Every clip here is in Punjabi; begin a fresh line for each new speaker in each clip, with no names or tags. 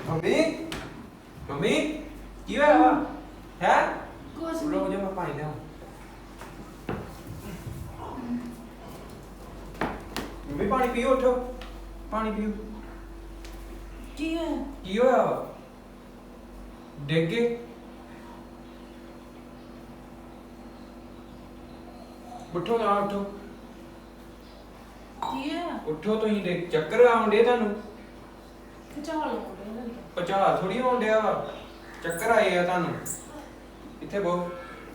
ਮੰਮੀ ਮੰਮੀ ਕੀ ਹੋਇਆ ਵਾ ਹੈ
ਕੁਛ
ਰੁਕ
ਨਹੀਂ।
ਜਾ ਮੈਂ ਪਾਣੀ ਲਿਆਵਾਂ ਮੰਮੀ ਪਾਣੀ ਪੀਓ ਉੱਠੋ ਪਾਣੀ ਪੀਓ
ਕੀ ਹੈ?
ਕੀ ਹੋਇਆ ਵਾ ਡਿੱਗ ਗਏ ਉੱਠੋ ਨਾ ਉੱਠੋ
ਕੀ ਹੈ?
ਉੱਠੋ ਤੁਸੀਂ ਦੇ ਚੱਕਰ ਆਉਂਦੇ ਤੁਹਾਨੂੰ
ਚਾਲ
ਪਚਾ ਥੋੜੀ ਹੋਣ ਡਿਆ ਵਾ ਚੱਕਰ ਆਏ ਆ ਤੁਹਾਨੂੰ ਇੱਥੇ ਬਹੁ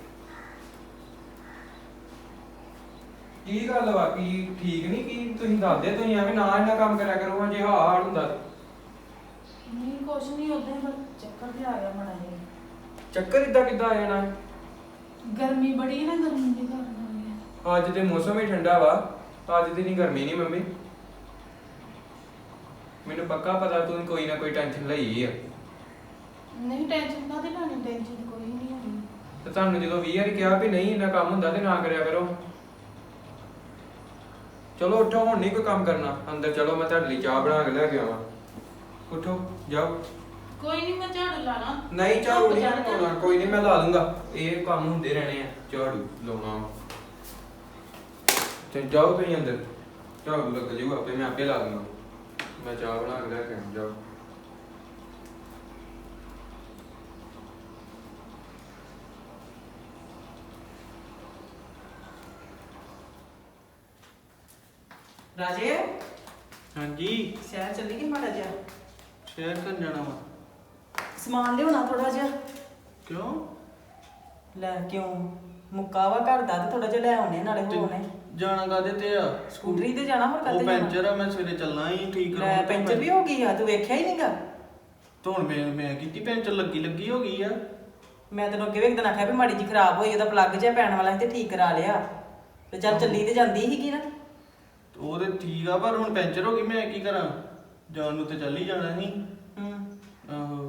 ਕੀ ਗੱਲ ਵਾ ਕੀ ਠੀਕ ਨਹੀਂ ਕੀ ਤੁਸੀਂ ਦੱਸਦੇ ਤੁਸੀਂ ਐਵੇਂ ਨਾ ਇੰਨਾ ਕੰਮ ਕਰਿਆ ਕਰੋ ਜੇ ਹਾਲ ਹੁੰਦਾ ਤੇ।
ਨਹੀਂ ਕੁਛ ਨਹੀਂ ਉਦਾਂ ਹੀ ਚੱਕਰ ਤੇ ਆ ਗਿਆ ਮੜਾ ਜਿਹਾ।
ਚੱਕਰ ਇਦਾਂ ਕਿੱਦਾਂ ਆ ਜਾਣਾ
ਗਰਮੀ ਬੜੀ ਹੈ ਨਾ, ਗਰਮੀ ਦੇ ਕਾਰਨ ਹੋ ਗਿਆ।
ਅੱਜ ਤੇ ਮੌਸਮ ਹੀ ਠੰਡਾ ਵਾ ਅੱਜ ਦੀ ਨਹੀਂ ਗਰਮੀ ਨਹੀਂ ਮੰਮੀ ਮੈਨੂੰ ਪੱਕਾ ਪਤਾ ਤੂੰ ਕੋਈ ਨਾ ਕੋਈ ਟੈਨਸ਼ਨ ਲਈ ਆ
ਨਹੀਂ ਟੈਨਸ਼ਨ ਕਾਹਦੀ ਲੈਣੀ, ਟੈਨਸ਼ਨ ਤਾਂ ਕੋਈ ਨਹੀਂ ਹੋਣੀ।
ਤੇ ਤੁਹਾਨੂੰ ਜਦੋਂ 20 ਵਾਰੀ ਕਿਹਾ ਵੀ ਨਹੀਂ ਇੰਨਾ ਕੰਮ ਹੁੰਦਾ ਤੇ ਨਾ ਕਰਿਆ ਕਰੋ ਚਲੋ ਉੱਠੋ ਹੁਣ ਨਹੀਂ ਕੋਈ ਕੰਮ ਕਰਨਾ ਅੰਦਰ ਚਲੋ ਮੈਂ ਤੁਹਾਡੇ ਲਈ ਚਾਹ ਬਣਾ ਕੇ ਲੈ ਕੇ ਆਵਾਂ ਉੱਠੋ ਜਾਓ
ਕੋਈ ਨਹੀਂ ਮੈਂ ਝਾੜੂ ਲਾਣਾ।
ਨਹੀਂ ਝਾੜੂ ਨਹੀਂ ਲਾਉਣਾ ਕੋਈ ਨਹੀਂ ਮੈਂ ਲਾ ਲੂੰਗਾ ਇਹ ਕੰਮ ਹੁੰਦੇ ਰਹਿਣੇ ਆ ਝਾੜੂ ਲਾਉਣਾ ਤੇ ਜਾਓ ਤੁਸੀਂ ਅੰਦਰ ਝਾੜੂ ਲੱਗ ਜਾਊਗਾ ਆਪੇ ਮੈਂ ਆਪੇ ਲਾ ਲੂੰਗਾ ਮੈਂ ਚਾਹ ਬਣਾ ਕੇ ਲੈ ਕੇ ਆਵਾਂ ਜਾਓ
ਰਾਜੇ
ਹਾਂਜੀ
ਸ਼ਹਿਰ ਚੱਲੀ ਕਿ ਮਾੜਾ ਜਿਹਾ
ਸ਼ਹਿਰ ਕਰਨ ਜਾਣਾ ਵਾ
ਸਮਾਨ ਲਿਆਉਣਾ ਥੋੜਾ ਜਿਹਾ।
ਕਿਉਂ
ਲੈ ਕਿਉਂ ਮੁੱਕਾ ਵਾ ਘਰ ਦਾ ਤੇ ਥੋੜਾ ਜਿਹਾ ਲੈ ਆਉਣੇ ਨਾਲੇ
ਤੇ
ਹੋਣੇ।
ਜਾਣਾ ਕਾਹਦੇ ਤੇ ਆ
ਸਕੂਟਰੀ ਤੇ ਜਾਣਾ ਹੋਰ
ਉਹ
ਕਾਹਤੇ
ਪੈਂਚਰ
ਜਾਣਾ?
ਆ ਮੈਂ ਸਵੇਰੇ ਚੱਲਣਾ ਹੀ ਠੀਕ
ਲੈ
ਕਰਾਉਣ।
ਪੈਂਚਰ ਵੀ ਹੋ ਗਈ ਆ, ਤੂੰ ਵੇਖਿਆ ਹੀ ਨਹੀਂਗਾ।
ਧੋਣ ਮੈਂ ਕੀਤੀ ਪੈਂਚਰ ਲੱਗੀ ਹੋ ਗਈ ਆ
ਮੈਂ ਤੈਨੂੰ ਅੱਗੇ ਵੀ ਇੱਕ ਦਿਨ ਆਖਿਆ ਵੀ ਮਾੜੀ ਜੀ ਖਰਾਬ ਹੋਈ, ਉਹਦਾ ਪਲੱਗ ਜਿਹਾ ਪੈਣ ਵਾਲਾ ਸੀ ਤੇ ਠੀਕ ਕਰਾ ਲਿਆ। ਤੇ ਚੱਲ ਚੱਲੀ ਤੇ ਜਾਂਦੀ ਸੀਗੀ ਨਾ।
ਉਹ ਤੇ ਠੀਕ ਆ ਪਰ ਹੁਣ ਪੈਂਚਰ ਹੋ ਗਈ ਮੈਂ ਕੀ ਕਰਾਂ ਜਾਣ ਨੂੰ ਤੇ ਚੱਲ ਹੀ ਜਾਣਾ ਸੀ। ਆਹੋ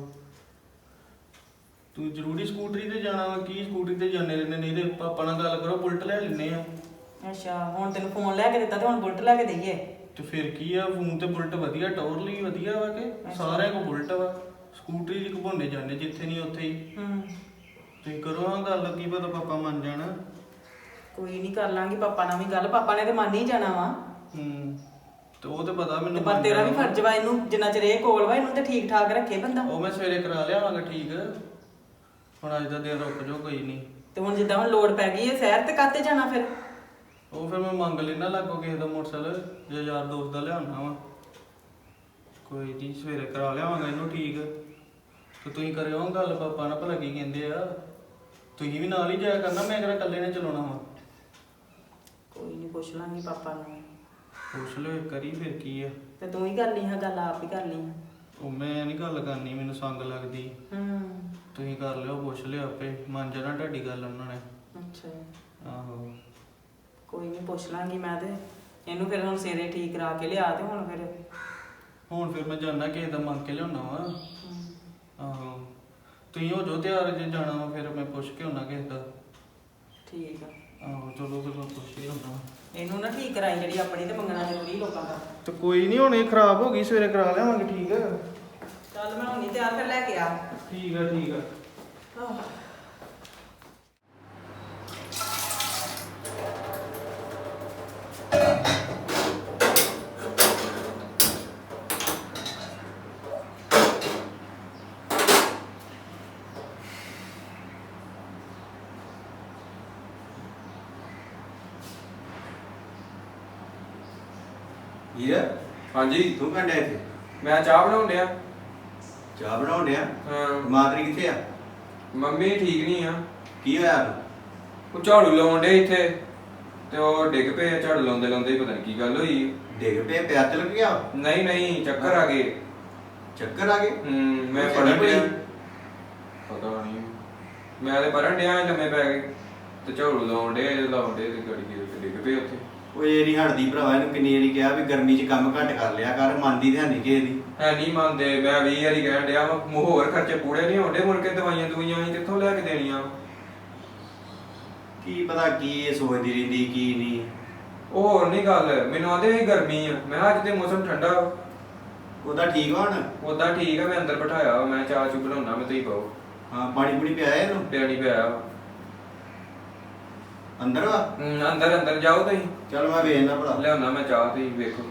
ਤੂੰ ਜ਼ਰੂਰੀ ਸਕੂਟਰੀ ਤੇ ਜਾਣਾ ਵਾ ਕੀ ਸਕੂਟਰੀ ਤੇ ਜਾਂਦੇ ਰਹਿੰਦੇ ਨਹੀਂ ਤੇ ਪਾਪਾ ਨਾਲ ਗੱਲ ਕਰੋ ਬੁਲਟ ਲੈ ਲੈਨੇ ਆ।
ਅੱਛਾ ਹੁਣ ਤੈਨੂੰ ਫੋਨ ਲੈ ਕੇ ਦਿੱਤਾ ਤੇ ਹੁਣ ਬੁਲਟ ਲੈ ਕੇ ਦਈਏ।
ਤੇ ਫਿਰ ਕੀ ਆ ਫੋਨ ਤੇ ਬੁਲਟ ਵਧੀਆ ਟੌਰ ਲਈ ਵਧੀਆ ਵਾ ਕਿ ਸਾਰਿਆਂ ਕੋਲ ਬੁਲਟ ਵਾ ਸਕੂਟਰੀ ਦੀ ਘੁੰਮਣੇ ਜਾਂਦੇ ਜਿੱਥੇ ਨਹੀਂ ਉੱਥੇ ਹੀ। ਤੁਸੀਂ ਕਰੋ ਹਾਂ ਗੱਲ ਕੀ ਪਤਾ ਪਾਪਾ ਮੰਨ ਜਾਣਾ।
ਕੋਈ ਨਹੀਂ ਕਰ ਲਾਂਗੀ ਪਾਪਾ ਨਾਲ ਵੀ ਗੱਲ, ਪਾਪਾ ਨੇ ਤੇ ਮੰਨ ਹੀ ਜਾਣਾ ਵਾ।
ਤੇ ਉਹ ਤੇ ਪਤਾ ਮੈਨੂੰ
ਪਰ ਤੇਰਾ ਵੀ ਫਰਜ਼ ਵਾ ਇਹਨੂੰ ਜਿੰਨਾ ਚਿਰ ਇਹ ਕੋਲ ਵਾ ਇਹਨੂੰ ਤੇ ਠੀਕ ਠਾਕ ਰੱਖੇ ਬੰਦਾ।
ਉਹ ਮੈਂ ਸਵੇਰੇ ਕਰਾ ਲਿਆਵਾਂਗਾ ਠੀਕ ਹੁਣ ਅੱਜ ਦਾ ਦਿਨ ਰੁਕ ਜਾਓ ਕੋਈ ਨਹੀਂ।
ਤੇ ਹੁਣ ਜਿੱਦਾਂ ਹੁਣ ਲੋੜ ਪੈ ਗਈ ਹੈ ਸ਼ਹਿਰ ਤੇ ਕਾਤੇ ਜਾਣਾ ਫਿਰ?
ਉਹ ਫਿਰ ਮੈਂ ਮੰਗ ਲੈਣਾ ਲੱਗੋ ਕਿਸੇ ਦਾ ਮੋਟਰਸਾਈਕਲ ਜੇ ਯਾਰ ਦੋਸਤ ਦਾ ਲਿਆਉਣਾ ਵਾ ਕੋਈ ਨਹੀਂ ਸਵੇਰੇ ਕਰਾ ਲਿਆਵਾਂਗਾ ਇਹਨੂੰ ਠੀਕ ਤੇ ਤੁਸੀਂ ਕਰਿਓ ਗੱਲ ਪਾਪਾ ਨਾਲ ਭਲਾ ਕੀ ਕਹਿੰਦੇ ਆ ਤੁਸੀਂ ਵੀ ਨਾਲ ਹੀ ਜਾਇਆ ਕਰਨਾ ਮੈਂ ਕਿਹੜਾ ਇਕੱਲੇ ਨੇ ਚਲਾਉਣਾ ਵਾ।
ਕੋਈ ਨਹੀਂ ਪੁੱਛ ਲਾਂਗੀ ਪਾਪਾ ਨੂੰ।
ਪੁੱਛ ਲਿਓ ਕਰੀ ਫਿਰ ਕੀ ਆ।
ਤੇ ਤੂੰ ਹੀ ਕਰ ਲਈ ਹਾਂ ਗੱਲ, ਆਪ ਹੀ ਕਰ ਲਈ ਹਾਂ।
ਉਹ ਮੈਂ ਨਹੀਂ ਗੱਲ ਕਰਨੀ ਮੈਨੂੰ ਸੰਗ ਲੱਗਦੀ ਤੁਸੀਂ ਕਰ ਲਿਓ ਪੁੱਛ ਲਿਓ ਆਪੇ ਮੰਨ ਜਾਣਾ ਤੁਹਾਡੀ ਗੱਲ ਉਹਨਾਂ ਨੇ।
ਅੱਛਾ
ਆਹੋ
ਕੋਈ ਨਹੀਂ ਪੁੱਛ ਲਾਂਗੀ ਮੈਂ ਤੇ ਇਹਨੂੰ ਫਿਰ ਹੁਣ ਸਵੇਰੇ ਠੀਕ ਕਰਾ ਕੇ ਲਿਆ ਤੇ
ਹੁਣ ਫਿਰ ਮੈਂ ਜਾਣਾ ਕਿਸੇ ਦਾ ਮੰਗ ਕੇ ਲਿਆਉਣਾ ਵਾ। ਆਹੋ ਤੁਸੀਂ ਹੋ ਜਾਓ ਤਿਆਰ ਜੇ ਜਾਣਾ ਵਾ ਫਿਰ ਮੈਂ ਪੁੱਛ ਕੇ ਆਉਣਾ ਕਿਸੇ ਦਾ।
ਠੀਕ ਆ
ਆਹੋ ਚਲੋ ਫਿਰ ਮੈਂ ਪੁੱਛ ਕੇ ਆਉਣਾ।
ਇਹਨੂੰ ਨਾ ਠੀਕ ਕਰਾਈ ਜਿਹੜੀ ਆਪਣੀ ਤੇ ਮੰਗਣਾ ਜ਼ਰੂਰੀ ਲੋਕਾਂ ਦਾ।
ਤੇ ਕੋਈ ਨਹੀਂ ਹੁਣ ਇਹ ਖਰਾਬ ਹੋ ਗਈ ਸਵੇਰੇ ਕਰਾ ਲਿਆਵਾਂਗੇ ਠੀਕ ਆ।
ਚੱਲ ਮੈਂ ਹੁਣੀ ਤਿਆਰ ਕਰ ਲੈ ਕੇ ਆ।
ਠੀਕ ਆ ਠੀਕ ਆ।
ਵੀਰ
ਹਾਂਜੀ
ਤੂੰ ਕੰਡਿਆ ਇੱਥੇ
ਮੈਂ ਚਾਹ ਬਣਾਉਣ ਡਿਆ
ਚਾਹ ਬਣਾਉਣ ਡਿਆ
ਹਾਂ
ਮਾਂ ਤੇਰੀ ਕਿੱਥੇ ਆ
ਮੰਮੀ ਠੀਕ ਨਹੀਂ ਆ
ਕੀ ਹੋਇਆ
ਉਹ ਝਾੜੂ ਲਾਉਣ ਡੇ ਇੱਥੇ ਤੇ ਉਹ ਡਿੱਗ ਪਏ ਆ, ਝਾੜੂ ਲਾਉਂਦੇ ਲਾਉਂਦੇ ਹੀ ਪਤਾ ਨਹੀਂ ਕੀ ਗੱਲ ਹੋਈ
ਡਿੱਗ ਪਏ ਪੈਰ ਤੇ ਲੱਗ ਗਿਆ
ਨਹੀਂ ਨਹੀਂ ਚੱਕਰ ਆ ਗਏ
ਚੱਕਰ ਆ ਗਏ
ਮੈਂ
ਉਹ
ਪੜਨ
ਚੱਲੀ
ਡਿਆ
ਪਈ?
ਪਤਾ ਨਹੀਂ ਮੈਂ ਤੇ ਪੜਨ ਡਿਆ ਲੰਮੇ ਪੈ ਗਏ ਤੇ ਝਾੜੂ ਲਾਉਣ ਡੇ ਤੇ ਗੜੀ ਦੇ ਡਿੱਗ ਪਏ ਉੱਥੇ
ਉਹ ਇਹ ਨਹੀਂ ਹਟਦੀ ਭਰਾਵਾ ਇਹਨੂੰ ਕਿੰਨੀ ਵਾਰੀ ਕਿਹਾ ਵੀ ਗਰਮੀ 'ਚ ਕੰਮ ਘੱਟ ਕਰ ਲਿਆ ਕਰ ਮੰਨਦੀ ਤੇ ਹੈ ਨਹੀਂ ਕਿਸੇ ਦੀ
ਹੈ ਨਹੀਂ ਮੰਨਦੇ ਮੈਂ 20 ਵਾਰੀ ਕਹਿਣ ਡਿਆ ਵਾ ਹੋਰ ਖਰਚੇ ਪੂਰੇ ਨਹੀਂ ਹੁੰਦੇ ਮੁੜ ਕੇ ਦਵਾਈਆਂ ਅਸੀਂ ਕਿੱਥੋਂ ਲੈ ਕੇ ਦੇਣੀਆਂ
ਕੀ ਪਤਾ ਕੀ ਇਹ ਸੋਚਦੀ ਰਹਿੰਦੀ ਕੀ ਨਹੀਂ
ਉਹ ਹੋਰ ਨਹੀਂ ਗੱਲ ਮੈਨੂੰ ਆਂਦੇ ਸੀ ਗਰਮੀ ਆ ਮੈਂ ਕਿਹਾ ਅੱਜ ਤੇ ਮੌਸਮ ਠੰਡਾ
ਉਹਦਾ ਠੀਕ ਵਾ ਹੁਣ?
ਉਦਾਂ ਠੀਕ ਆ, ਮੈਂ ਅੰਦਰ ਬਿਠਾਇਆ ਵਾ, ਮੈਂ ਚਾਹ ਚੂ ਬਣਾਉਣਾ, ਮੈਂ ਤੁਸੀਂ ਪਾਓ।
ਹਾਂ ਪਾਣੀ ਪੂਣੀ ਪਿਆਇਆ ਇਹਨੂੰ?
ਪਿਆਣੀ ਪਿਆ ਵਾ।
ਅੰਦਰ ਵਾ?
ਅੰਦਰ ਅੰਦਰ ਜਾਓ ਤੁਸੀਂ।
ਚਲ ਮੈਂ ਵੇਖਣਾ ਭਲਾ।
ਲਿਆਉਣਾ ਮੈਂ ਚਾਹ, ਤੁਸੀਂ ਵੇਖੋ।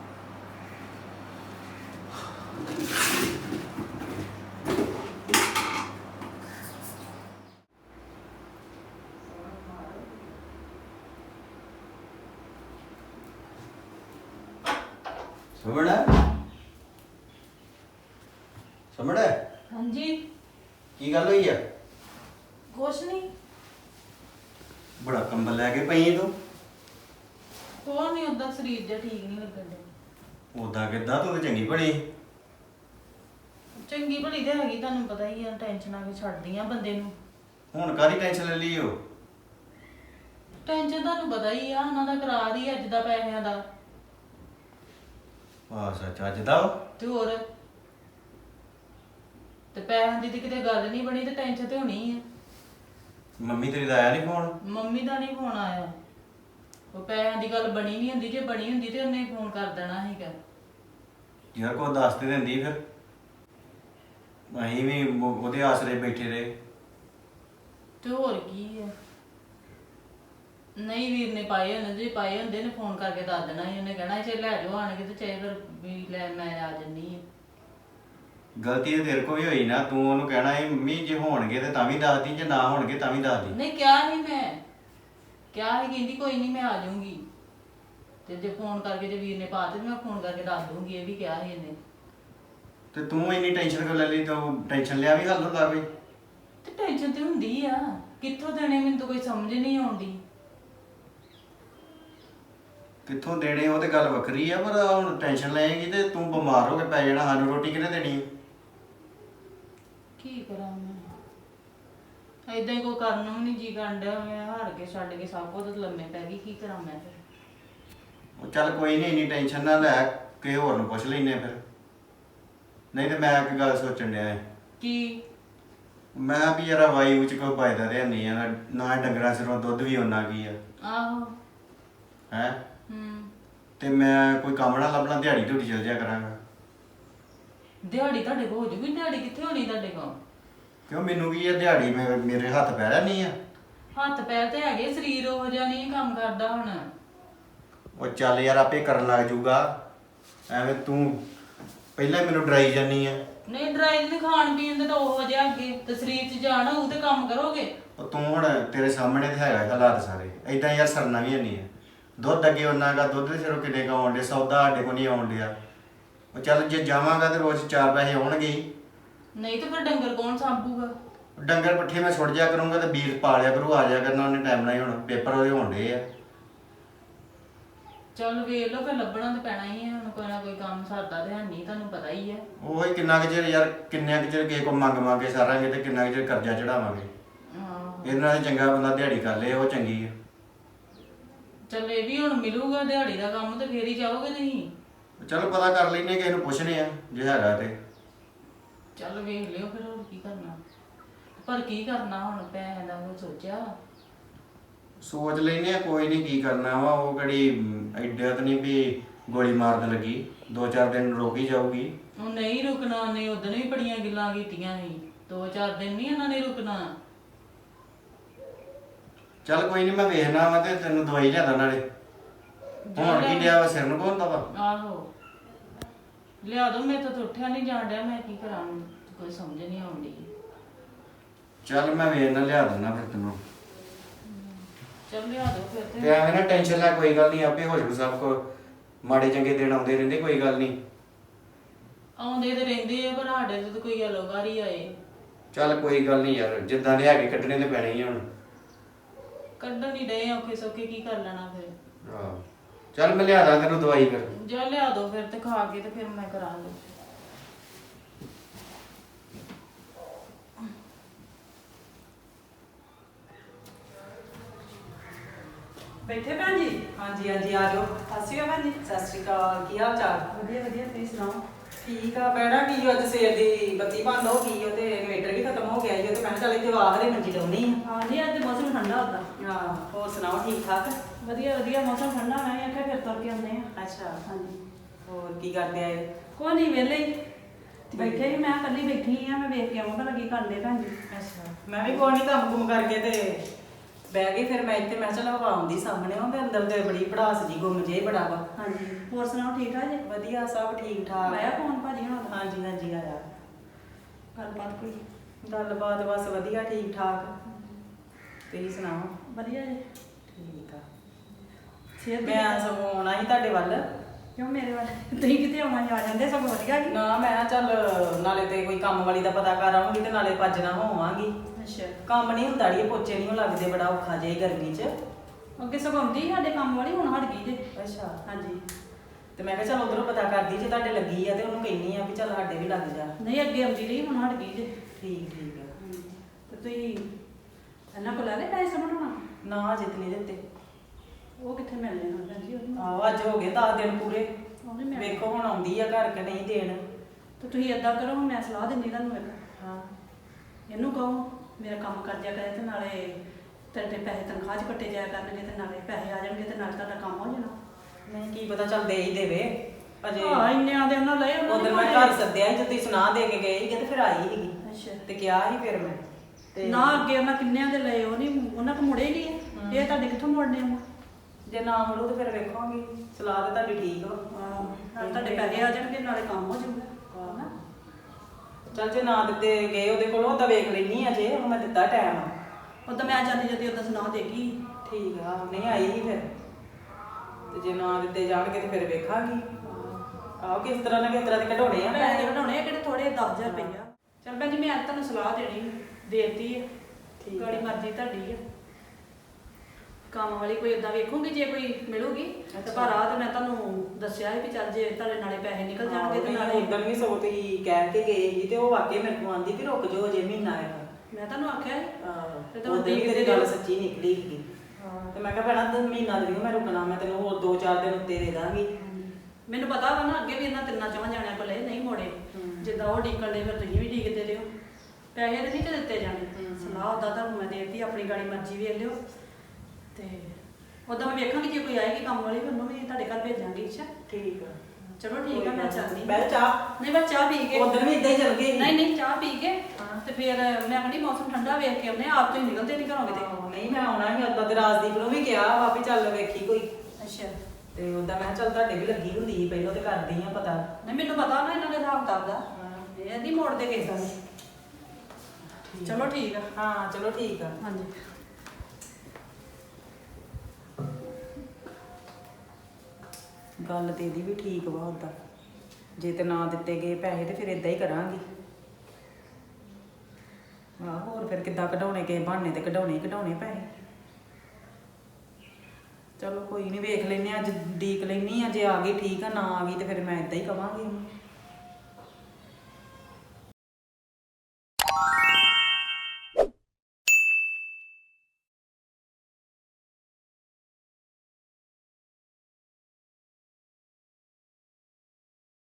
ਸਮੜ ਸਮੜ
ਹਾਂਜੀ
ਕੀ ਗੱਲ ਹੋਈ ਆ?
ਕੁਛ ਨਹੀਂ।
ਬੜਾ ਕੰਬਲ ਲੈ ਕੇ ਪਈ ਤੂੰ।
ਕੋਹ ਨਹੀਂ ਉਦਾਂ ਸਰੀਰ ਜਿਹਾ ਠੀਕ ਨਹੀਂ ਲੱਗਣ ਡਿਆ।
ਉਦਾਂ ਕਿੱਦਾਂ, ਤੂੰ ਤਾਂ ਚੰਗੀ ਬਣੀ।
ਚੰਗੀ ਭਲੀ ਤੇ ਹੈਗੀ, ਤੁਹਾਨੂੰ ਪਤਾ ਹੀ ਆ, ਟੈਨਸ਼ਨਾਂ ਵੀ ਛੱਡਦੀਆਂ ਬੰਦੇ ਨੂੰ।
ਹੁਣ ਕਾਹਦੀ ਟੈਨਸ਼ਨ ਲੈ ਲਈ ਓ?
ਟੈਨਸ਼ਨ ਤੁਹਾਨੂੰ ਪਤਾ ਹੀ ਆ, ਉਹਨਾਂ ਦਾ ਕਰਾਰ ਹੀ ਅੱਜ ਦਾ ਪੈਸਿਆਂ ਦਾ।
ਆ ਸੱਚ ਅੱਜ ਦਾ ਵਾ?
ਤੇ ਹੋਰ ਤੇ ਪੈਸਿਆਂ ਦੀ ਤੇ ਕਿਤੇ ਗੱਲ ਨਹੀਂ ਬਣੀ ਤੇ ਟੈਨਸ਼ਨ ਤੇ ਹੋਣੀ ਆ।
ਮੰਮੀ ਤੇਰੀ ਦਾ ਆਇਆ ਨਹੀਂ ਫੋਨ?
ਮੰਮੀ ਦਾ ਨਹੀਂ ਫੋਨ ਆਇਆ। ਉਹ ਪੈਸਿਆਂ ਦੀ ਗੱਲ ਬਣੀ ਨਹੀਂ ਹੁੰਦੀ, ਜੇ ਬਣੀ ਹੁੰਦੀ ਤੇ ਉਹਨੇ ਫੋਨ ਕਰ ਦੇਣਾ ਸੀਗਾ।
ਯਾਰ ਕੋ ਦੱਸ ਤੇ ਦਿੰਦੀ ਫਿਰ, ਅਸੀਂ ਵੀ ਉਹਦੇ ਆਸਰੇ ਬੈਠੇ ਰਹੇ।
ਤੇ ਹੋਰ ਕੀ ਆ, ਨਹੀਂ ਵੀਰ ਨੇ ਪਾਏ ਹੁੰਦੇ, ਜੇ ਪਾਏ ਹੁੰਦੇ ਨੇ ਫੋਨ ਕਰਕੇ ਦੱਸ ਦੇਣਾ ਸੀ। ਉਹਨੇ ਕਹਿਣਾ ਚਾਹੇ ਲੈ ਜਾਓ ਆਣ ਕੇ, ਤੇ ਚਾਹੇ ਫਿਰ ਵੀ ਲੈ ਮੈਂ ਆ ਜੰਨੀ ਆ।
ਗਲਤੀ ਤੇ ਤੇਰੇ ਕੋ ਵੀ ਹੋਈ ਨਾ, ਤੂੰ ਉਹਨੂੰ ਕਹਿਣਾ ਸੀ ਮੰਮੀ ਜੇ ਹੋਣਗੇ ਤੇ ਤਾਂ ਵੀ ਦੱਸਦੀ, ਜੇ ਨਾ ਹੋਣਗੇ ਤਾਂ ਵੀ ਦੱਸਦੀ।
ਨਹੀਂ ਕਿਹਾ ਸੀ ਮੈਂ, ਕਿਹਾ ਸੀ, ਕਹਿੰਦੀ ਕੋਈ ਨਹੀਂ ਮੈਂ ਆ ਜਾਊਂਗੀ। ਤੇ ਜੇ ਫੋਨ ਕਰਕੇ ਜੇ ਵੀਰ ਨੇ ਪਾ ਤੇ ਮੈਂ ਫੋਨ ਕਰਕੇ ਦੱਸ ਦੂੰਗੀ, ਇਹ ਵੀ ਕਿਹਾ ਸੀ ਇਹਨੇ।
ਤੇ ਤੂੰ ਇੰਨੀ ਟੈਨਸ਼ਨ ਕਿਉਂ ਲੈ ਲਈ? ਤੂੰ ਟੈਨਸ਼ਨ ਲਿਆ ਵੀ ਹੱਲ ਹੁੰਦਾ ਕੋਈ?
ਤੇ ਟੈਨਸ਼ਨ ਤੇ ਹੁੰਦੀ ਆ, ਕਿੱਥੋਂ ਦੇਣੇ ਮੈਨੂੰ ਤਾਂ ਕੋਈ ਸਮਝ ਨਹੀਂ ਆਉਂਦੀ।
ਕਿੱਥੋਂ ਦੇਣੇ ਉਹ ਤੇ ਗੱਲ ਵੱਖਰੀ ਆ, ਪਰ ਹੁਣ ਟੈਨਸ਼ਨ ਲਏਗੀ ਤੇ ਤੂੰ ਬਿਮਾਰ ਹੋ ਕੇ ਪੈ ਜਾਣਾ, ਸਾਨੂੰ ਰੋਟੀ ਕਿਹਨੇ ਦੇਣੀ?
ਕੀ ਕਰਾਂ ਮੈਂ, ਏਦਾਂ ਹੀ ਕੋਈ ਕਰਨ ਨੂੰ ਨਹੀਂ ਜੀ ਕਰਨ ਡਿਆ। ਮੈਂ ਹਾਰ ਕੇ ਛੱਡ ਕੇ ਸਭ ਕੁਝ ਲੰਮੇ ਪੈ ਗਈ, ਕੀ ਕਰਾਂ ਮੈਂ ਫਿਰ।
ਉਹ ਚੱਲ ਕੋਈ ਨਹੀਂ, ਇੰਨੀ ਟੈਨਸ਼ਨ ਨਾ ਲੈ, ਕਿਸੇ ਹੋਰ ਨੂੰ ਪੁੱਛ ਲੈਨੇ ਫਿਰ। ਨਹੀਂ ਤੇ ਮੈਂ ਇੱਕ ਗੱਲ ਸੋਚਣ ਡਿਆ ਸੀ।
ਕੀ?
ਮੈਂ ਕਿਹਾ ਵੀ ਯਾਰ ਵਾਈ ਚ ਕੋਈ ਫਾਇਦਾ ਤੇ ਨਹੀਂ ਆ, ਨਾ ਡੰਗਰਾਂ ਸਿਰੋਂ ਦੁੱਧ ਵੀ ਉਹਨਾਂ ਕੀ ਆ
ਆਹੋ।
ਹੈ।
ਹੂੰ।
ਤੇ ਮੈਂ ਕੋਈ ਕੰਮ ਨਾ ਲੱਭਣਾ, ਦਿਹਾੜੀ ਢੋੜੀ ਚਲ ਜਿਆ ਕਰਾਂਗਾ।
ਦਿਹਾੜੀ ਤੁਹਾਡੇ ਕੋਲ ਹੋ ਜੂਗੀ? ਦਿਹਾੜੀ ਕਿੱਥੇ ਹੋਣੀ ਤੁਹਾਡੇ ਕੋਲ?
ਕਿਉਂ ਮੈਨੂੰ ਕੀ ਆ ਦਿਹਾੜੀ, ਮੇਰੇ ਹੱਥ ਪੈਰ ਨਹੀਂ ਆ।
ਹੱਥ ਪੈਰ ਤੇ ਹੈਗੇ, ਸਰੀਰ ਉਹ ਜਿਹਾ ਨਹੀਂ ਕੰਮ ਕਰਦਾ ਹੁਣ।
ਉਹ ਚੱਲ ਯਾਰ ਆਪੇ ਕਰਨ ਲੱਗ ਜੂਗਾ, ਐਵੇਂ ਤੂੰ ਪਹਿਲਾਂ ਹੀ ਮੈਨੂੰ ਡਰਾਈ ਜਾਨੀ ਆ।
ਨਹੀਂ ਡਰਾਈ ਨਹੀਂ, ਖਾਣ ਪੀਣ ਦੇ ਤਾਂ ਉਹ ਜਿਹਾ ਅੱਗੇ, ਤੇ ਸਰੀਰ 'ਚ ਜਾਣ ਹੋਊ ਤੇ ਕੰਮ ਕਰੋਗੇ।
ਉਹ ਤੂੰ ਹੁਣ ਤੇਰੇ ਸਾਹਮਣੇ ਤੇ ਹੈਗਾ ਹਾਲਾਤ ਸਾਰੇ, ਏਦਾਂ ਯਾਰ ਸਰਨਾ ਵੀ ਨਹੀਂ ਆ। ਦੁੱਧ ਅੱਗੇ ਉਹਨਾਂ ਦਾ, ਦੁੱਧ ਦੇ ਸਿਰੋਂ ਕਿੰਨੇ ਕੁ ਆਉਣ ਡੇ, ਸੌਦਾ ਸਾਡੇ ਕੋਲ ਨਹੀਂ ਆਉਣ ਡਿਆ। ਉਹ ਚੱਲ ਜੇ ਜਾਵਾਂਗਾ ਤੇ ਰੋਜ਼ 4 ਪੈਸੇ ਆਉਣਗੇ ਹੀ।
ਨਹੀਂ ਤੇ ਫਿਰ ਡੰਗਰ ਕੌਣ ਸਾਂਭੂਗਾ?
ਡੰਗਰ ਪੱਠੇ ਮੈਂ ਛੁੱਟ ਜਾ ਕਰੂੰਗਾ ਤੇ ਵੀਰ ਪਾ ਲਿਆ ਕਰੂ, ਆ ਜਾ ਕਰਨਾ ਉਹਨੇ ਟਾਈਮ ਨਾਲ ਹੀ। ਹੁਣ ਪੇਪਰ ਉਹਦੇ ਹੋਣ ਡੇ ਆ।
ਚੱਲ ਵੇਖ ਲਓ, ਫਿਰ ਲੱਭਣਾ ਤਾਂ ਪੈਣਾ ਹੀ ਹੈ ਹੁਣ, ਕੋਈ ਨਾ ਕੋਈ ਕੰਮ ਸਰਦਾ ਤੇ ਹੈ ਨਹੀਂ, ਤੁਹਾਨੂੰ ਪਤਾ ਹੀ ਹੈ।
ਉਹੀ ਕਿੰਨਾ ਕੁ ਚਿਰ ਯਾਰ, ਕਿੰਨਾ ਕੁ ਚਿਰ ਕਿਸੇ ਕੋਲ ਮੰਗ ਕੇ ਸਾਰਾਂਗੇ ਤੇ ਕਿੰਨਾ ਕੁ ਚਿਰ ਕਰਜ਼ਾ ਚੜਾਵਾਂਗੇ।
ਆਹੋ।
ਇਹਦੇ ਨਾਲ ਚੰਗਾ ਬੰਦਾ ਦਿਹਾੜੀ ਕਰ ਲੇ, ਉਹ ਚੰਗੀ ਆ।
ਚੱਲ ਇਹ ਵੀ ਹੁਣ ਮਿਲੂਗਾ ਦਿਹਾੜੀ ਦਾ ਕੰਮ, ਤੇ ਫੇਰ ਹੀ ਜਾਓਗੇ ਤੁਸੀਂ।
ਚਲੋ ਪਤਾ ਕਰ ਲੈਨੇ, ਕਿਸੇ ਨੂੰ ਪੁੱਛਨੇ ਆ ਜੇ ਹੈਗਾ ਤੇ।
ਚੱਲ ਵੇਖ ਲਿਓ ਫਿਰ, ਹੋਰ ਕੀ ਕਰਨਾ। ਪਰ ਕੀ ਕਰਨਾ ਹੁਣ, ਪੈਸੇ ਦਾ ਕੋਈ ਸੋਚਿਆ?
ਸੋਚ ਲੈਨੇ ਆ, ਕੋਈ ਨਹੀਂ ਕੀ ਕਰਨਾ ਵਾ। ਉਹ ਕਿਹੜੀ ਐਡਾ ਤਾਂ ਨਹੀਂ ਵੀ ਗੋਲੀ ਮਾਰਨ ਲੱਗੀ, 2-4 ਦਿਨ ਰੁਕ ਹੀ ਜਾਊਗੀ।
ਉਹ ਨਹੀਂ ਰੁਕਣਾ, ਉਹਨੇ ਉਦੋਂ ਵੀ ਬੜੀਆਂ ਗੱਲਾਂ ਕੀਤੀਆਂ ਸੀ। 2-4 ਦਿਨ ਨਹੀਂ ਉਹਨਾਂ ਨੇ ਰੁਕਣਾ।
ਚੱਲ ਕੋਈ ਨਹੀਂ, ਮੈਂ ਵੇਖਣਾ ਵਾ ਤੇ ਤੈਨੂੰ ਦਵਾਈ ਲਿਆਦਾ ਨਾਲੇ। ਹੁਣ ਕੀ ਡਿਆ ਵਾ, ਸਿਰ ਨੂੰ ਕੋਹਦਾ ਵਾ?
ਆਹੋ ਲਿਆ ਦੋ, ਮੇਰੇ ਤੋਂ ਉੱਠਿਆ ਨਹੀਂ ਜਾਣ ਡਿਆ, ਮੈਂ ਕੀ ਕਰਾਂ, ਕੋਈ ਸਮਝ ਨਹੀਂ ਆਉਂਦੀ।
ਚੱਲ ਮੈਂ ਵੇਖਣਾ, ਲਿਆ ਦਿੰਦਾ ਫਿਰ ਤੈਨੂੰ।
ਚੱਲ ਲਿਆ ਦੋ ਫਿਰ
ਤੇ
ਤੇ।
ਐਵੇਂ ਨਾ ਟੈਨਸ਼ਨ ਲੈ, ਕੋਈ ਗੱਲ ਨਹੀਂ, ਆਪੇ ਹੋ ਜਾਊ ਸਭ ਕੁਝ। ਮਾੜੇ ਚੰਗੇ ਦਿਨ ਆਉਂਦੇ ਰਹਿੰਦੇ, ਕੋਈ ਗੱਲ ਨਹੀਂ।
ਆਉਂਦੇ ਤੇ ਰਹਿੰਦੇ ਆ, ਪਰ ਸਾਡੇ ਤੇ ਤਾਂ ਕੋਈ ਅਲੋਗਾਰ ਹੀ ਆਏ।
ਚੱਲ ਕੋਈ ਗੱਲ ਨਹੀਂ ਯਾਰ, ਜਿੱਦਾਂ ਦੇ ਹੈਗੇ ਕੱਢਣੇ ਤੇ ਪੈਣੇ ਹੀ ਹੁਣ।
ਕੱਢਣ ਹੀ ਡਏ ਔਖੇ ਸੌਖੇ, ਕੀ ਕਰ ਲੈਣਾ ਫਿਰ।
ਆਹ ਚੱਲ ਮੈਂ ਲਿਆਦਾ ਤੈਨੂੰ ਦਵਾਈ ਫਿਰ।
ਜਾ ਲਿਆ ਦੋ ਫਿਰ, ਤੇ ਖਾ ਕੇ ਤੇ ਫਿਰ ਮੈਂ ਕਰਾਂ ਲੂ।
ਬੈਠੇ ਭੈਣ ਜੀ? ਹਾਂਜੀ ਹਾਂਜੀ ਆ ਜਾਓ। ਸਤਿ ਸ਼੍ਰੀ ਅਕਾਲ ਭੈਣ ਜੀ। ਸਤਿ ਸ਼੍ਰੀ ਅਕਾਲ, ਕੀ ਹਾਲ ਚਾਲ?
ਵਧੀਆ ਵਧੀਆ, ਤੁਸੀਂ ਸੁਣਾਓ?
ਠੀਕ ਆ ਭੈਣਾ। ਕੀ ਅੱਜ ਸਵੇਰ ਦੀ ਬੱਤੀ ਬੰਦ ਹੋ ਗਈ, ਉਹ ਤੇ ਇਨਵੇਟਰ ਵੀ ਖਤਮ ਹੋ ਗਿਆ ਜੀ, ਤੇ ਮੈਂ ਕਿਹਾ ਚੱਲ ਇੱਥੇ ਵਾਹ ਦੇ ਮੰਜੀ ਡਾਉਣੀ ਆ।
ਹਾਂ ਜੀ, ਅੱਜ ਮੌਸਮ ਠੰਡਾ ਹੁੰਦਾ।
ਹਾਂ, ਹੋਰ ਸੁਣਾਓ, ਠੀਕ ਠਾਕ?
ਵਧੀਆ ਵਧੀਆ, ਮੌਸਮ ਠੰਡਾ, ਮੈਂ ਆਖਿਆ ਫਿਰ ਤੁਰ ਕੇ ਆਉਂਦੇ ਆ।
ਅੱਛਾ,
ਹਾਂਜੀ।
ਹੋਰ ਕੀ ਕਰਦੇ ਆਏ?
ਕੋਈ ਨਹੀਂ ਵਿਹਲੇ ਬੈਠੇ ਹੀ ਮੈਂ ਇਕੱਲੀ ਬੈਠੀ ਆ ਮੈਂ ਵੇਖ ਕੇ ਆਵਾਂ ਭਲਾ ਕੀ ਕਰਦੇ ਭੈਣ ਜੀ।
ਅੱਛਾ ਮੈਂ ਵੀ ਕੋਈ ਨਹੀਂ ਕੰਮ ਕੁਮ ਕਰਕੇ ਤੇ ਬਹਿ ਗਈ। ਫਿਰ ਮੈਂ ਇੱਥੇ ਮੈਂ ਚਲ ਹਵਾ ਆਉਂਦੀ ਸਾਹਮਣੇ ਉਹਦੇ ਅੰਦਰ ਤੇ ਬੜੀ ਭੜਾਸ ਜੀ ਗੁੰਮ ਜੇ ਬੜਾ ਵਾ।
ਹਾਂਜੀ ਹੋਰ ਸੁਣਾਓ ਠੀਕ ਠਾਕ ਜੀ?
ਵਧੀਆ ਸਭ ਠੀਕ ਠਾਕ।
ਆਇਆ ਫੋਨ ਭਾਜੀ ਹੋਣਾ ਦਾ?
ਹਾਂਜੀ ਹਾਂਜੀ ਆਇਆ।
ਗੱਲਬਾਤ ਕੋਈ?
ਗੱਲਬਾਤ ਬਸ ਵਧੀਆ ਠੀਕ ਠਾਕ। ਤੁਸੀਂ ਸੁਣਾਓ?
ਵਧੀਆ ਜੀ।
ਠੀਕ ਆ।
ਸਿਹਤ
ਮੈਂ ਸਗੋਂ ਆਉਣਾ ਸੀ ਤੁਹਾਡੇ ਵੱਲ।
ਕਿਉਂ ਮੇਰੇ ਵੱਲ ਤੁਸੀਂ ਕਿਤੇ ਆਉਣਾ ਆ ਜਾਂਦੇ ਸਭ ਵਧੀਆ ਜੀ।
ਨਾ ਮੈਂ ਚੱਲ ਨਾਲੇ ਤੇ ਕੋਈ ਕੰਮ ਵਾਲੀ ਦਾ ਪਤਾ ਕਰ ਆਉਂਗੀ ਤੇ ਨਾਲੇ ਭੱਜਣਾ ਹੋਵਾਂਗੀ।
ਅੱਛਾ
ਕੰਮ ਨਹੀਂ ਹੁੰਦਾ ੜੀ ਪੋਚੇ ਨਹੀਂ ਲੱਗਦੇ ਬੜਾ ਔਖਾ ਜੇ ਗਰਮੀ 'ਚ।
ਅੱਗੇ ਸਭ ਆਉਂਦੀ ਸੀ ਸਾਡੇ ਕੰਮ ਵਾਲੀ ਹੁਣ ਹਟ ਗਈ ਜੇ।
ਅੱਛਾ
ਹਾਂਜੀ
ਤੇ ਮੈਂ ਕਿਹਾ ਚੱਲ ਉਧਰੋਂ ਪਤਾ ਕਰਦੀ ਜੇ ਤੁਹਾਡੇ ਲੱਗੀ ਆ ਤੇ ਉਹਨੂੰ ਕਹਿੰਨੀ ਆ ਵੀ ਚੱਲ ਸਾਡੇ ਵੀ ਲੱਗ ਜਾ।
ਨਹੀਂ ਅੱਗੇ ਆਉਂਦੀ ਰਹੀ ਹੁਣ ਹਟ ਗਈ ਜੇ।
ਠੀਕ ਠੀਕ ਆ।
ਤੇ ਤੁਸੀਂ ਇਹਨਾਂ ਕੋਲ ਲੈ ਲੈ ਪੈਸੇ ਬਣਾਉਣਾ?
ਨਾ ਜਿੱਤ ਨਹੀਂ ਦਿੱਤੇ।
ਉਹ ਕਿੱਥੇ ਮਿਲਣੇ ਹੁਣ ਭੈਣ ਜੀ?
ਆਹੋ ਅੱਜ ਹੋ ਗਏ 10 ਦਿਨ ਪੂਰੇ।
ਉਹਨੇ ਮੈਂ
ਵੇਖੋ ਹੁਣ ਆਉਂਦੀ ਆ ਘਰ ਕਿ ਨਹੀਂ ਦੇਣ।
ਤੇ ਤੁਸੀਂ ਏਦਾਂ ਕਰੋ ਮੈਂ ਸਲਾਹ ਦਿੰਦੀ ਤੁਹਾਨੂੰ ਇੱਕ।
ਹਾਂ
ਇਹਨੂੰ ਕਹੋ ਮੇਰਾ ਕੰਮ ਕਰ ਜਾ ਕਰੇ ਤੇ ਨਾਲੇ ਤੇਰੇ ਪੈਸੇ ਤਨਖਾਹ 'ਚ ਕੱਟੇ ਜਾਇਆ ਕਰਨਗੇ ਤੇ ਨਾਲੇ ਪੈਸੇ ਆ ਜਾਣਗੇ ਤੇ ਨਾਲੇ ਤੁਹਾਡਾ ਕੰਮ ਹੋ ਜਾਣਾ।
ਨਹੀਂ ਕੀ ਪਤਾ ਚੱਲ ਦੇ ਹੀ ਦੇਵੇ ਅਜੇ।
ਹਾਂ ਇੰਨਿਆਂ ਦੇ ਉਹਨਾਂ ਲਏ ਉਹਨਾਂ
ਉਦੋਂ
ਨੇ
ਮੈਂ
ਭਾਵੇਂ-
ਘਰ ਸੱਦਿਆ ਸੀ ਤੇ ਤੁਸੀਂ ਸੁਣਾ ਦੇ ਕੇ ਗਏ ਸੀਗੇ ਤੇ ਫਿਰ ਆਈ ਸੀਗੀ
ਅੱਛਾ
ਤੇ ਕਿਹਾ ਸੀ ਫਿਰ ਮੈਂ ਤੇ
ਨਾ ਅੱਗੇ ਉਹਨਾਂ ਕਿੰਨਿਆਂ ਦੇ ਲਏ ਉਹ ਨਹੀਂ ਉਹਨਾਂ ਕੋ ਮੁੜੇ ਨਹੀਂ ਇਹ ਤੁਹਾਡੇ ਕਿੱਥੋਂ ਮੁੜਨੇ ਆ?
ਜੇ ਨਾ ਮੁੜੂ ਤੇ ਫਿਰ ਵੇਖਾਂਗੇ। ਸਲਾਹ ਤੇ ਤੁਹਾਡੀ ਠੀਕ ਵਾ।
ਨਾਲੇ ਤੁਹਾਡੇ ਪੈਸੇ ਆ ਜਾਣਗੇ ਨਾਲੇ ਕੰਮ ਹੋ ਜਾਊਗਾ ਹਨਾ।
ਚੱਲ ਜੇ ਨਾ ਦਿੱਤੇ ਗਏ ਉਹਦੇ ਕੋਲੋਂ ਤਾਂ ਵੇਖ ਲੈਣੀ ਆ ਜੇ ਉਹਨੂੰ ਮੈਂ ਦਿੱਤਾ ਟਾਈਮ।
ਉਦੋਂ ਮੈਂ ਜਾਂਦੀ ਜਾਂਦੀ ਉਦੋਂ ਸੁਣਾ ਦੇਗੀ।
ਠੀਕ ਆ ਨਹੀਂ ਆਈ ਸੀ ਫਿਰ ਤੇ ਜੇ ਨਾ ਦਿੱਤੇ ਜਾਣਗੇ ਤੇ ਫਿਰ ਵੇਖਾਂਗੀ। ਆਹੋ ਕਿਸ ਤਰ੍ਹਾਂ ਨਾ ਕਿਸ ਤਰ੍ਹਾਂ ਦੇ ਕਢਾਉਣੇ ਆ
ਪੈਸੇ ਕਢਾਉਣੇ ਆ ਕਿਹੜੇ ਥੋੜੇ 10,000 ਰੁਪਈਆ। ਚਲ ਭੈਣ ਜੀ ਮੈਂ ਅੱਜ ਤੁਹਾਨੂੰ ਸਲਾਹ ਦੇਣੀ ਦੇਤੀ ਹੈ।
ਠੀਕ
ਗਾੜੀ ਮਰਜ਼ੀ ਤੁਹਾਡੀ ਹੈ। ਕੰਮ ਵਾਲੀ ਕੋਈ ਏਦਾਂ ਵੇਖੂਗੀ ਜੇ ਕੋਈ ਮਿਲੂਗੀ ਤੇ ਪਰ ਆ ਤੇ ਮੈਂ ਤੁਹਾਨੂੰ ਦੱਸਿਆ ਸੀ ਵੀ ਚੱਲ ਜੇ ਤੁਹਾਡੇ ਨਾਲੇ ਪੈਸੇ ਨਿਕਲ ਜਾਣਗੇ ਤੇ ਨਾਲੇ
ਉਦੋਂ ਵੀ ਸਗੋਂ ਤੁਸੀਂ ਕਹਿ ਕੇ ਗਏ ਸੀ ਤੇ ਉਹ ਵਾਕਈ ਮੇਰੇ ਕੋਲ ਆਂਦੀ ਵੀ ਰੁਕ ਜਾਓ ਜੇ ਮਹੀਨਾ ਆਇਆ।
ਮੈਂ ਤੁਹਾਨੂੰ ਆਖਿਆ ਸੀ। ਤੇ
ਉਦੋਂ ਵੀ ਤੇਰੀ ਗੱਲ ਸੱਚੀ ਨਿਕਲੀ ਸੀਗੀ। ਤੇ ਮੈਂ ਕਿਹਾ ਭੈਣਾ ਤੂੰ ਮਹੀਨਾ ਦੇ ਮੈਂ ਰੁਕਣਾ ਮੈਂ ਤੈਨੂੰ ਹੋਰ 2-4 ਦਿਨ ਉੱਤੇ ਦੇ ਦਾਂਗੀ।
ਮੈਨੂੰ ਪਤਾ ਵਾ ਨਾ ਅੱਗੇ ਵੀ ਇਹਨਾਂ ਤਿੰਨਾਂ ਚਵਾਂ ਜਾਣਿਆਂ ਕੋਲੇ ਨਹੀਂ ਮੋੜੇ ਜਿੱਦਾਂ ਉਹ ਡੀਕਣ ਦੇ ਫਿਰ ਤੁਸੀਂ ਵੀ ਡੀਕਦੇ ਲਿਓ ਪੈਸੇ ਤੇ ਨਹੀਂ ਤੇ ਦਿੱਤੇ ਜਾਣੇ। ਸਲਾਹ ਉਦਾਂ ਤੁਹਾਨੂੰ ਮੈਂ ਦੇਤੀ ਆਪਣੀ ਗਾੜੀ ਮਰਜ਼ੀ ਵੇਖ ਲਿਓ ਤੇ ਉਦਾਂ ਮੈਂ ਵੇਖਾਂਗੀ ਜੇ ਕੋਈ ਆਏਗੀ ਕੰਮ ਵਾਲੀ ਫਿਰ ਉਹਨੂੰ ਵੀ ਤੁਹਾਡੇ ਘਰ ਭੇਜਾਂਗੀ। ਅੱਛਾ
ਠੀਕ ਆ
ਚਲੋ ਠੀਕ ਆ ਮੈਂ ਚੱਲਦੀ।
ਬਹਿ ਚਾਹ।
ਨਹੀਂ ਬਸ ਚਾਹ ਪੀ ਕੇ
ਉਦੋਂ ਵੀ ਇਦਾਂ ਹੀ ਚੱਲ ਗਏ ਸੀ।
ਨਹੀਂ ਚਾਹ ਪੀ ਕੇ ਤੇ ਫਿਰ ਮੈਂ ਕਹਿੰਦੀ ਮੌਸਮ ਠੰਡਾ ਵੇਖ ਕੇ ਆਉਂਦੇ ਆਪ ਤੋਂ ਹੀ ਨਿਕਲਦੇ ਨਹੀਂ ਘਰੋਂ ਕਿਤੇ।
ਨਹੀਂ ਮੈਂ ਆਉਣਾ ਸੀ ਉਦਾਂ ਤੇ ਰਾਜਦੀਪ ਨੂੰ ਵੀ ਕਿਹਾ ਵਾ ਵੀ ਚੱਲ ਵੇਖੀ ਕੋਈ
ਅੱਛਾ
ਤੇ ਉਦਾਂ ਮੈਂ ਕਿਹਾ ਚੱਲ ਤੁਹਾਡੇ ਵੀ ਲੱਗੀ ਹੁੰਦੀ ਸੀ ਪਹਿਲਾਂ ਤੇ ਕਰਦੀ ਆ ਪਤਾ।
ਨਹੀਂ ਮੈਨੂੰ ਪਤਾ ਨਾ ਇਹਨਾਂ ਦੇ ਹਿਸਾਬ ਕਿਤਾਬ ਦਾ ਇਹ ਨਹੀਂ ਮੋੜਦੇ ਕਿਸੇ ਦਾ ਵੀ। ਚਲੋ ਠੀਕ ਆ।
ਹਾਂ ਚਲੋ ਠੀਕ ਆ।
ਹਾਂਜੀ
ਗੱਲ ਤੇ ਇਹਦੀ ਵੀ ਠੀਕ ਵਾ ਉਦਾਂ ਜੇ ਤੇ ਨਾ ਦਿੱਤੇ ਗਏ ਪੈਸੇ ਤੇ ਫਿਰ ਇਦਾਂ ਹੀ ਕਰਾਂਗੀ। ਆਹ ਹੋਰ ਫਿਰ ਕਿੱਦਾਂ ਕਢਾਉਣੇ ਕਿਸੇ ਬਹਾਨੇ ਤੇ ਕਢਾਉਣੇ ਪੈਸੇ। ਚਲੋ ਕੋਈ ਨਹੀਂ ਵੇਖ ਲੈਨੇ ਆ ਅੱਜ ਡੀਕ ਲੈਣੀ ਆ ਜੇ ਆ ਗਈ ਠੀਕ ਆ ਨਾ ਆ ਗਈ ਤੇ ਫਿਰ ਮੈਂ ਇਦਾਂ ਹੀ ਕਵਾਂਗੀ ਉਹਨੂੰ।